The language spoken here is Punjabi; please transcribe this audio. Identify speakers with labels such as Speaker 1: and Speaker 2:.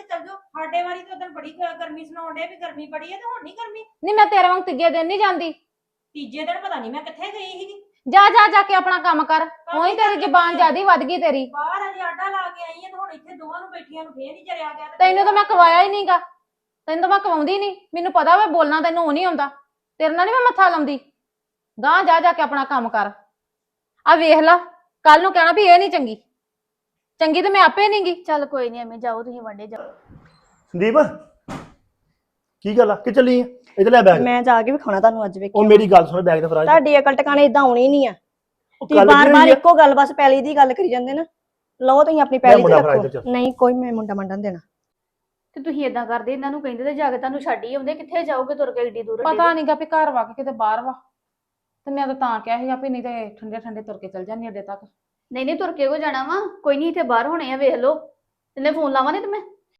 Speaker 1: ਚੱਲ ਜਾਓ। ਸਾਡੇ ਵਾਰੀ ਤਾਂ ਉਦੋਂ ਬੜੀ ਗਰਮੀ ਸੁਣਾਉਣ ਡੇ ਵੀ ਗਰਮੀ ਬੜੀ ਹੈ ਤੇ ਹੁਣ ਨਹੀਂ ਗਰਮੀ।
Speaker 2: ਨਹੀਂ ਮੈਂ ਤੇਰੇ ਵਾਂਗ ਤੀਜੇ ਦਿਨ ਨਹੀਂ ਜਾਂਦੀ।
Speaker 1: ਤੀਜੇ ਦਿਨ ਪਤਾ ਨਹੀਂ ਮੈਂ ਕਿੱਥੇ ਗਈ ਸੀਗੀ।
Speaker 2: ਜਾ ਜਾ ਜਾ ਕੇ ਆਪਣਾ ਕੰਮ ਕਰ। ਉਹੀ ਤੇਰੀ ਜ਼ਬਾਨ ਜ਼ਿਆਦੀ ਵੱਧ ਗਈ ਤੇਰੀ।
Speaker 1: ਬਾਹਰ ਅਜੇ ਆਡਾ ਲਾ ਕੇ ਆਈ ਹੈ ਤੇ ਹੁਣ ਇੱਥੇ ਦੋਵਾਂ ਨੂੰ ਬੈਠੀਆਂ ਨੂੰ ਫੇਰ ਨਹੀਂ ਜਰਿਆ ਗਿਆ।
Speaker 2: ਤੈਨੂੰ ਤਾਂ ਮੈਂ ਕਵਾਇਆ ਹੀ ਨਹੀਂਗਾ। ਤੈਨੂੰ ਤਾਂ ਮੈਂ ਕਵਾਉਂਦੀ ਨਹੀਂ। ਮੈਨੂੰ ਪਤਾ ਵਾ ਬੋਲਣਾ ਤੈਨੂੰ ਉਹ ਨਹੀਂ ਆਉਂਦਾ। ਤੇਰੇ ਨਾਲ ਨਹੀਂ ਮੈਂ ਮੱਥਾ ਲਾਉਂਦੀ। ਗਾਂ ਜਾ ਜਾ ਕੇ ਆਪਣਾ ਕੰਮ ਕਰ। ਆ ਵੇਖ ਲਾ ਕੱਲ ਨੂੰ ਕਹਿਣਾ ਵੀ ਇਹ ਨਹੀਂ ਚੰਗੀ। ਚੰਗੀ ਤੇ ਮੈਂ ਆਪੇ ਨਹੀਂਗੀ।
Speaker 3: ਚੱਲ ਕੋਈ ਨਹੀਂ ਐਵੇਂ ਜਾਓ ਤੁਸੀਂ ਵੰਡੇ ਜਾਓ।
Speaker 4: ਸੰਦੀਪ ਕੀ ਗੱਲ ਆ ਕਿ ਚੱਲੀ ਆ ਇੱਧਰ ਲੈ ਬੈਗ।
Speaker 5: ਮੈਂ ਜਾ ਕੇ ਵਿਖਾਉਣਾ ਤੁਹਾਨੂੰ ਅੱਜ ਵੇਖਿਓ।
Speaker 4: ਉਹ ਮੇਰੀ ਗੱਲ ਸੁਣ ਬੈਗ ਤੇ ਫਰਾਜ
Speaker 5: ਤੁਹਾਡੀ ਅਕਲ ਟਿਕਾਣੇ ਇਦਾਂ ਆਉਣੀ ਨਹੀਂ ਆ।
Speaker 4: ਉਹ
Speaker 5: ਤੁਸੀਂ
Speaker 4: ਕੱਲ੍ਹ
Speaker 5: ਬਾਰ-ਬਾਰ
Speaker 4: ਜਿਹੜੀ
Speaker 5: ਇੱਕੋ ਗੱਲ ਬਸ ਪੈਲੀ ਦੀ ਗੱਲ ਕਰੀ ਜਾਂਦੇ ਨਾ। ਲਓ ਤੁਸੀਂ ਆਪਣੀ ਪੈਲੀ ਤੇ
Speaker 4: ਮੁੰਡਾ ਫੜਾ ਇੱਧਰ
Speaker 5: ਰੱਖੋ।
Speaker 4: ਚੱਲ।
Speaker 5: ਨਹੀਂ ਕੋਈ ਮੈਂ ਮੁੰਡਾ ਮੰਡਣ ਦੇਣਾ।
Speaker 3: ਤੇ ਤੁਸੀਂ ਇਦਾਂ ਕਰਦੇ ਇਹਨਾਂ ਨੂੰ ਕਹਿੰਦੇ ਤੇ ਜਾ ਕੇ ਤੁਹਾਨੂੰ ਛੱਡ ਹੀ ਆਉਂਦੇ। ਕਿੱਥੇ ਜਾਓਗੇ ਤੁਰ ਕੇ ਏਡੀ ਦੂਰ?
Speaker 2: ਪਤਾ ਨਹੀਂਗਾ ਵੀ ਘਰ ਵਾ ਕੇ ਕਿਤੇ ਬਾਹਰ ਵਾ। ਤੇ ਮੈਂ ਤਾਂ ਕਿਹਾ ਸੀਗਾ ਵੀ ਨਹੀਂ ਤੇ ਠੰਡੇ ਠੰਡੇ ਤੁਰ ਕੇ ਚੱਲ ਜਾਂਦੀ ਅੱਡੇ ਤੱਕ।
Speaker 3: ਨਹੀਂ ਨਹੀਂ ਤੁਰ ਕੇ ਕੋ ਜਾਣਾ ਵਾ। ਕੋਈ ਨਹੀਂ ਇੱਥੇ ਬਾਹਰ ਹੋਣੇ ਆ ਵੇਖ ਲਓ। ਤੈਨੂੰ ਫੋਨ ਲਾਵਾਂ ਨਹੀਂ ਤੇ ਮੈਂ